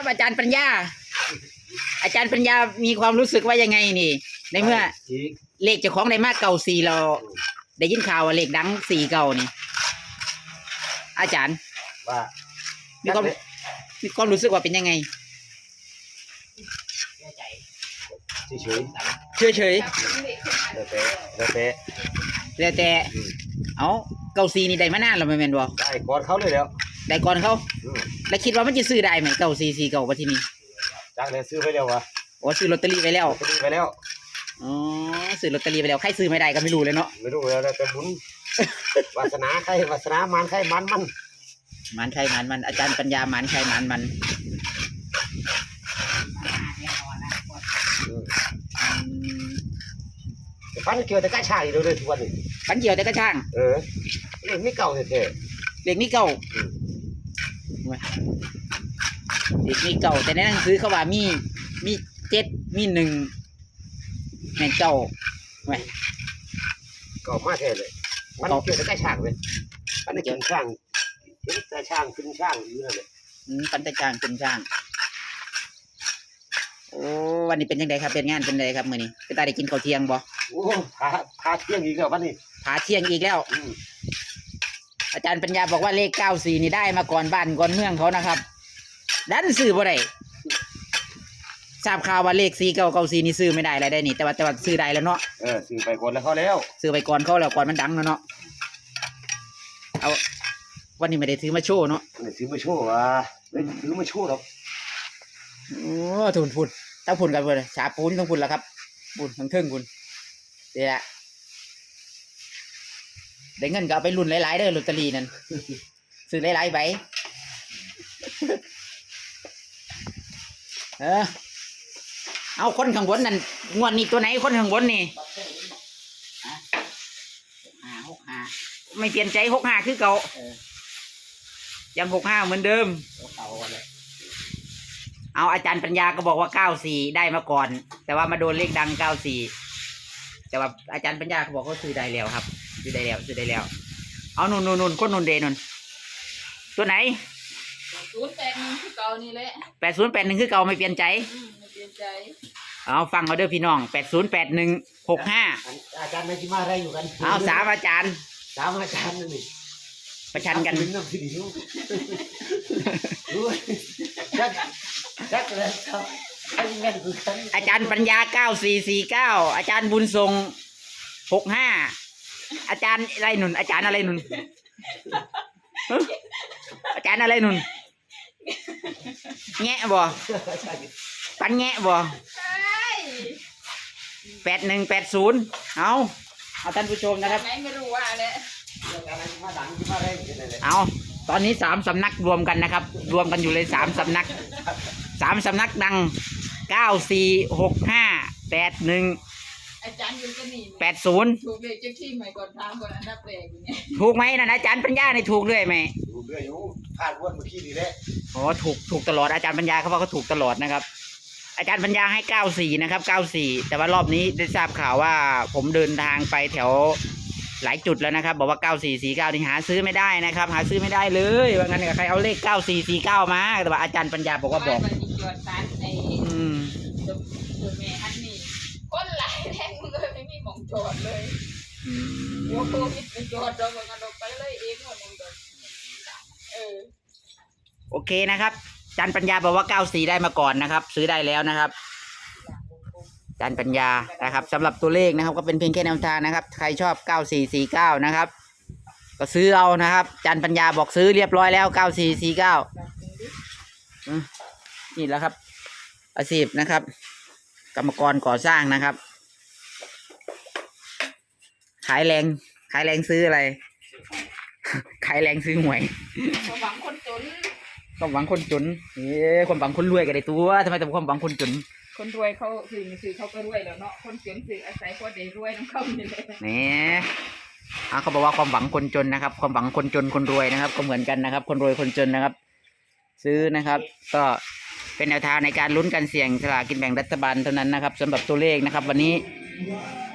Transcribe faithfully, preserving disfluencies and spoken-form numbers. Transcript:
ครับอาจารย์ปัญญาอาจารย์ปัญญามีความรู้สึกว่ายังไงนี่ในเมื่อเลขเจ้าของได้มากเก่าสี่เราได้ยินข่าวว่าเลขดังสี่เก่านี่อาจารย์ว่ามีความมีความรู้สึกว่าเป็นยังไงเฉยเฉยเฉยแล้วแต่แล้วแต่แล้วแต่เอาเก่าสี่นี่ได้มานานแล้วไม่แม่นบ่ได้ก่อนเขาเลยแล้วได้ก่อนเขาแล้วคิดว่ามันจะซื้อได้ไหมเก่าสี่สี่เก่าว่าที่นี่จากเลยซื้อไปแล้ววะโอ้ซื้อลอตเตอรี่ไปแล้วซื้อไปแล้วอ๋อซื้อลอตเตอรี่ไปแล้วใครซื้อไม่ได้ก็ไม่รู้เลยเนาะไม่รู้แล้วแต่บุญวาสนาใครวาสนามันใครมันมันมันใครมันมันอาจารย์ปัญญามันใครมันมันฟันเกี่ยวแต่กระช่างอยู่เลยทุกวันนี้ฟันเกี่ยวแต่กระช่างเออเรื่องนี้เก่าเท่เด็กนี่เก่าเด็กนี่เก่าแต่ในหนังสือเขาว่ามีมีเจ็ดมีหนึ่งแม่งเก่าไว้เก่ามากแค่เลยมันเกี่ยวแต่กระช่างเลยมันเกี่ยวช่างแต่ช่างขึ้นช่างอยู่นั่นแหละอืมปันแต่ช่างขึ้นช่างโอ้วันนี้เป็นยังไงครับเป็นงานเป็นไงครับมื้อนี้ไปตาได้กินข้าวเที่ยงบ่โอ้พาพาเที่ยงอีกแล้ววันนี้พาเที่ยงอีกแล้วอาจารย์ปัญญาบอกว่าเลขเก้าสี่นี่ได้มาก่อนบ้านก่อนเมืองเขานะครับดันซื้อบ่ได้ทราบข่าวว่าเลขสี่เก้าเก้าสี่นี่ซื้อไม่ได้อะไรได้นี่แต่ว่าแต่ว่าซื้อได้แล้วเนาะเออซื้อไปก่อนแล้วเขาแล้วซื้อไปก่อนเขาแล้วก่อนมันดังแล้วเนาะเอาวันนี้ไม่ได้ถือมาโชว์เนาะไม่ได้ถือมาโชว์อ่ะไม่ถือมาโชว์หรอกโอ้ทุนพุ่นต้องพุ่นกันเลยฉาปูนต้องพุ่นแล้วครับพุ่นทั้งเทิงพุ่นเดี๋ยวได้เงินก็เอาไปรุ่นหลายๆเด้อลอตเตอรี่นั่นซื้อหลายๆใบเออเอาคนข้างบนนั่นงวดนี้ตัวไหนคนข้างบนนี่ห้าหกห้าไม่เปลี่ยนใจหกห้าคือเก่ายังหกห้าเหมือนเดิมเอาอาจารย์ปัญญาก็บอกว่าเก้าสี่ได้มาก่อนแต่ว่ามาโดนเลขดังเก้าสี่แต่ว่าอาจารย์ปัญญาเขาบอกเขาซื้อได้แล้วครับซื้อได้แล้วซื้อได้แล้วเอานุ่นนุ่นนุ่นคนนุ่นเดนุ่นตัวไหนศูนย์แปดหนึ่งคือเก่านี่แหละแปดศูนย์แปดหนึ่งคือเก่าไม่เปลี่ยนใจไม่เปลี่ยนใจเอาฟังเขาเด้อพี่น้องแปดศูนย์แปดหนึ่งหกห้าอาจารย์ไม่คิดมาอะไรอยู่กันเอาสามอาจารย์สามอาจารย์นี่ประชันกันจักจักเลยครับอาจารย์ปัญญาเก้าสี่สี่เก้าอาจารย์บุญทรงหกห้าอาจารย์อะไรหนุนอาจารย์อะไรหนุนอาจารย์อะไรหนุนแงะบ่ปันแงะบ่แปดหนึ่งแปดศูนย์เอาเอาท่านผู้ชมนะครับไม่รู้ว่าเลยเอาตอนนี้สามสำนักรวมกันนะครับรวมกันอยู่เลยสามสำนักสามสำนักดังเก้าสี่หกห้าแปดหนึ่งอาจารย์ยืนกันนี่แปดศูนย์ถูกเลยเจ้าที่ใหม่ก่อนทางก่อนอันดับแรกอย่างเงี้ยถูกไหมนะอาจารย์ปัญญาในถูกด้วยไหมถูกด้วยอยู่พลาดวันเมื่อกี้นี่แหละอ๋อถูกถูกตลอดอาจารย์ปัญญาเขาบอกเขาถูกตลอดนะครับอาจารย์ปัญญาให้เก้าสี่นะครับเก้าสี่แต่ว่ารอบนี้ได้ทราบข่าวว่าผมเดินทางไปแถวหลายจุดแล้วนะครับบอกว่าเก้าสี่สี่เก้านี่หาซื้อไม่ได้นะครับหาซื้อไม่ได้เลยว่างั้นใครเอาเลขเก้าสี่สี่เก้ามาแต่ว่าอาจารย์ปัญญาบอกว่าบอกอืมตัวแม่อันนี้คนหลายแท่งเลยไม่มีหม่องจอดเลยโอ้โหมิดไปจอดเราเหมือนกันเราไปเลยเองหมดเลยเออโอเคนะครับอาจารย์ปัญญาบอกว่าเก้าสี่ได้มาก่อนนะครับซื้อได้แล้วนะครับอาจารย์ปัญญานะครับสำหรับตัวเลขนะครับก็เป็นเพียงแค่แนวทางนะครับใครชอบเก้าสี่สี่เก้านะครับก็ซื้อเอานะครับอาจารย์ปัญญาบอกซื้อเรียบร้อยแล้วเก้าสี่สี่เก้านี่แหละครับอาชีพนะครับกรรมกรก่อสร้างนะครับขายแรงขายแรงซื้ออะไรขายแรงซื้อหวยความหวังคนจนความหวังคนจนเอ๊ะความหวังคนรวยกันได้ตัวทำไมต้องความหวังคนจนคนรวยเขาสื่อสื่อเขาก็รวยแล้วเนาะคนจนสื่ออาศัยคนเดียวรวยน้องเขาเนี่ยนี่อ่ะเขาบอกว่าความหวังคนจนนะครับความหวังคนจนคนรวยนะครับก็เหมือนกันนะครับคนรวยคนจนนะครับซื้อนะครับก็เป็นแนวทางในการลุ้นการเสี่ยงสลากกินแบ่งรัฐบาลเท่านั้นนะครับสำหรับตัวเลขนะครับวันนี้